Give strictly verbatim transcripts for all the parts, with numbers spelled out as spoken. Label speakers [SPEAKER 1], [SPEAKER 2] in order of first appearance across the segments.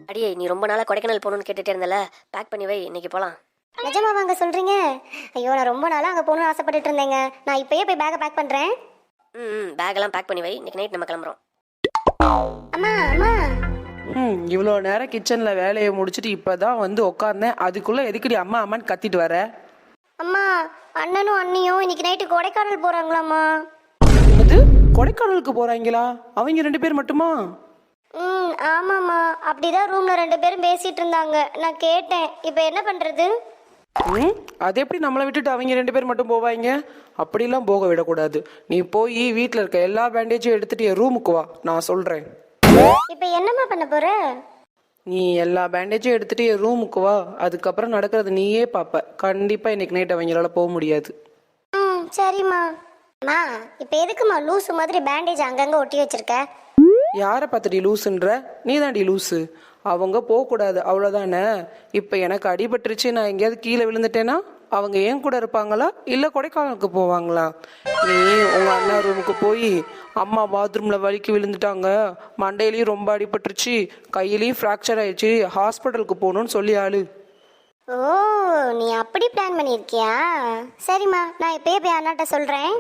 [SPEAKER 1] அடியே நீ ரொம்ப நாளாக கொடைக்கானல் போகணுன்னு கேட்டுகிட்டே இருந்தல, பேக் பண்ணி வை, இன்னைக்கு போகலாம்.
[SPEAKER 2] நிஜமா வாங்க சொல்கிறீங்க? ஐயோ, நான் ரொம்ப நாளாக அங்கே போகணும்னு ஆசைப்பட்டுட்டு இருந்தேங்க. நான் இப்போயே போய் பேக்கை பேக் பண்ணுறேன்.
[SPEAKER 1] ம் ம் பேக்கெல்லாம் பேக் பண்ணி வை, இன்னைக்கு நைட் நம்ம கிளம்புறோம்.
[SPEAKER 2] அம்மா அம்மா.
[SPEAKER 3] ம் இவ்வளோ நேரம் கிச்சனில் வேலையை முடிச்சுட்டு இப்போ தான் வந்து உட்காந்தேன். அதுக்குள்ளே எதுக்குடி அம்மா அம்மான்னு கத்திட்டு வர?
[SPEAKER 2] அம்மா, அண்ணனும் அண்ணியும் இன்னைக்கு நைட்டு கொடைக்கானல் போகிறாங்களாம்மா.
[SPEAKER 3] என்னது, கொடைக்கானலுக்கு போகிறாங்களா? அவங்க ரெண்டு பேர் மட்டுமா?
[SPEAKER 2] ம் ஆமாம்மா, அப்படிதான் ரூமில் ரெண்டு பேரும் பேசிகிட்டு இருந்தாங்க. நான் கேட்டேன். இப்போ என்ன பண்ணுறது?
[SPEAKER 3] ம் அது எப்படி நம்மளை விட்டுட்டு அவங்க ரெண்டு பேர் மட்டும் போவாங்க? அப்படிலாம் போக விடக்கூடாது. நீ போய் வீட்டில் இருக்க எல்லா பேண்டேஜும் எடுத்துட்டு என் ரூமுக்கு வா, நான் சொல்கிறேன்.
[SPEAKER 2] இப்போ என்னம்மா பண்ண போகிற?
[SPEAKER 3] நீ எல்லா பேண்டேஜும் எடுத்துட்டு என் ரூமுக்கு வா, அதுக்கப்புறம் நடக்கிறது நீயே பார்ப்ப. கண்டிப்பாக இன்னைக்கு நைட் அவங்களால போக முடியாது.
[SPEAKER 2] ம் சரிம்மா. அம்மா, இப்போ எதுக்குமா லூஸு மாதிரி பேண்டேஜ் அங்கங்கே ஒட்டி வச்சிருக்க?
[SPEAKER 3] யாரை பார்த்துடி லூசுன்ற? நீ தாண்டி லூசு. அவங்க போகக்கூடாது, அவ்வளோதானே. இப்போ எனக்கு அடிபட்டுருச்சு, நான் எங்கேயாவது கீழே விழுந்துட்டேன்னா அவங்க ஏன் கூட இருப்பாங்களா இல்லை கொடைக்கானலுக்கு போவாங்களா? நீ உங்கள் அண்ணா ரூமுக்கு போய் அம்மா பாத்ரூமில் வலிக்கு விழுந்துட்டாங்க, மண்டையிலையும் ரொம்ப அடிபட்டுருச்சு, கையிலையும் ஃப்ராக்சர் ஆயிடுச்சு, ஹாஸ்பிட்டலுக்கு போகணுன்னு சொல்லி ஆளு.
[SPEAKER 2] ஓ, நீ அப்படி பிளான் பண்ணியிருக்கியா? சரிம்மா, நான் இப்பயே போய் அண்ணாட்ட சொல்கிறேன்.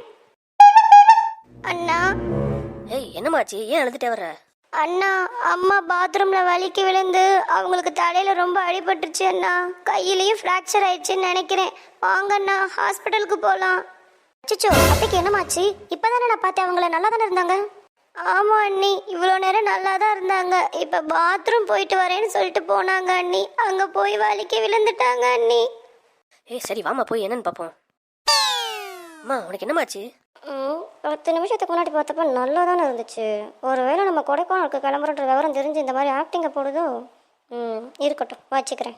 [SPEAKER 2] அண்ணா
[SPEAKER 1] ஏய் என்னமாச்சு, ஏன் அழுதுட்டே வர்ற?
[SPEAKER 2] அண்ணா, அம்மா பாத்ரூம்ல வலிக்கு விழுந்து அவங்களுக்கு தலையில ரொம்ப அடிபட்டுருச்சு அண்ணா. கையிலையும் ஃப்ராக்சர் ஆயிடுச்சுன்னு நினைக்கிறேன். வாங்க அண்ணா, ஹாஸ்பிட்டலுக்கு போகலாம். அச்சச்சோ, அத்தைக்கு என்னமாச்சு? இப்போதானே நான் பார்த்தேன், அவங்கள நல்லா தானே இருந்தாங்க. ஆமா அண்ணி, இவ்வளோ நேரம் நல்லா தான் இருந்தாங்க. இப்போ பாத்ரூம் போயிட்டு வரேன்னு சொல்லிட்டு போனாங்க அண்ணி. அங்கே போய் வலிக்கு விழுந்துட்டாங்க அண்ணி.
[SPEAKER 1] ஏய் சரி வாமா போய் என்னன்னு பார்ப்போம். அம்மா உனக்கு என்னமாச்சு?
[SPEAKER 2] ம் பத்து நிமிஷத்துக்கு முன்னாடி பார்த்தப்ப நல்லா தானே இருந்துச்சு. ஒருவேளை நம்ம கொடைக்கானலுக்கு கிளம்புறன்ற விவரம் தெரிஞ்சு இந்த மாதிரி ஆக்டிங்கை போடுதோ? ம் இருக்கட்டும், வச்சுக்கிறேன்.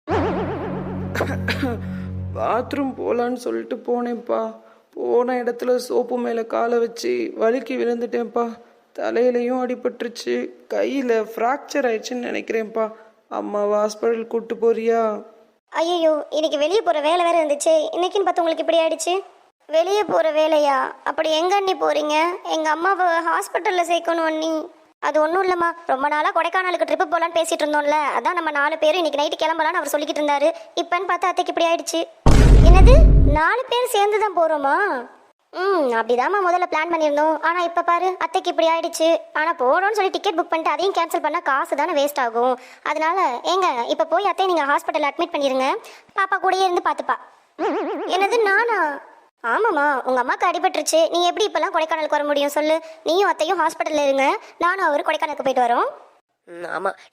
[SPEAKER 3] பாத்ரூம் போகலான்னு சொல்லிட்டு போனேன்ப்பா. போன இடத்துல சோப்பு மேலே காலை வச்சு வலிக்கு விழுந்துட்டேன்ப்பா. தலையிலையும் அடிபட்டுருச்சு, கையில் ஃப்ராக்சர் ஆயிடுச்சுன்னு நினைக்கிறேன்ப்பா. அம்மாவை ஹாஸ்பிட்டல் கூப்பிட்டு போறியா?
[SPEAKER 2] ஐயோ, இன்னைக்கு வெளியே போகிற வேலை வேறு இருந்துச்சு. இன்னைக்குன்னு பார்த்து உங்களுக்கு இப்படி ஆயிடுச்சு. வெளியே போகிற வேலையா? அப்படி எங்க அண்ணி போகிறீங்க? எங்கள் அம்மாவை ஹாஸ்பிட்டலில் சேர்க்கணும் அண்ணி. அது ஒன்றும் இல்லைம்மா, ரொம்ப நாளாக கொடைக்கானலுக்கு ட்ரிப்பு போகலான்னு பேசிகிட்டு இருந்தோம்ல, அதான் நம்ம நாலு பேரும் இன்னைக்கு நைட்டு கிளம்பலான்னு அவர் சொல்லிக்கிட்டு இருந்தாரு. இப்போன்னு பார்த்தா அத்தைக்கு இப்படி ஆயிடுச்சு. என்னது, நாலு பேர் சேர்ந்து தான் போகிறோமா? ம் அப்படிதாம்மா முதல்ல பிளான் பண்ணியிருந்தோம். ஆனால் இப்போ பாரு, அத்தைக்கு இப்படி ஆயிடுச்சு. ஆனால் போகிறோன்னு சொல்லி டிக்கெட் புக் பண்ணிட்டு அதையும் கேன்சல் பண்ணால் காசு தானே வேஸ்ட் ஆகும். அதனால ஏங்க இப்போ போய் அத்தையை நீங்கள் ஹாஸ்பிட்டலில் அட்மிட் பண்ணிடுங்க. பாப்பா கூடயே இருந்து பார்த்துப்பா. என்னது, நானா? ஆமாம்மா, உங்கள் அம்மாவுக்கு அடிபட்டுருச்சு. நீ எப்படி இப்போல்லாம் கொடைக்கானலுக்கு வர முடியும் சொல்லு? நீயும் அத்தையும் ஹாஸ்பிட்டலில் இருங்க, நானும் அவர் கொடைக்கானலுக்கு போயிட்டு வரோம்.
[SPEAKER 1] ம் ஆமாம்,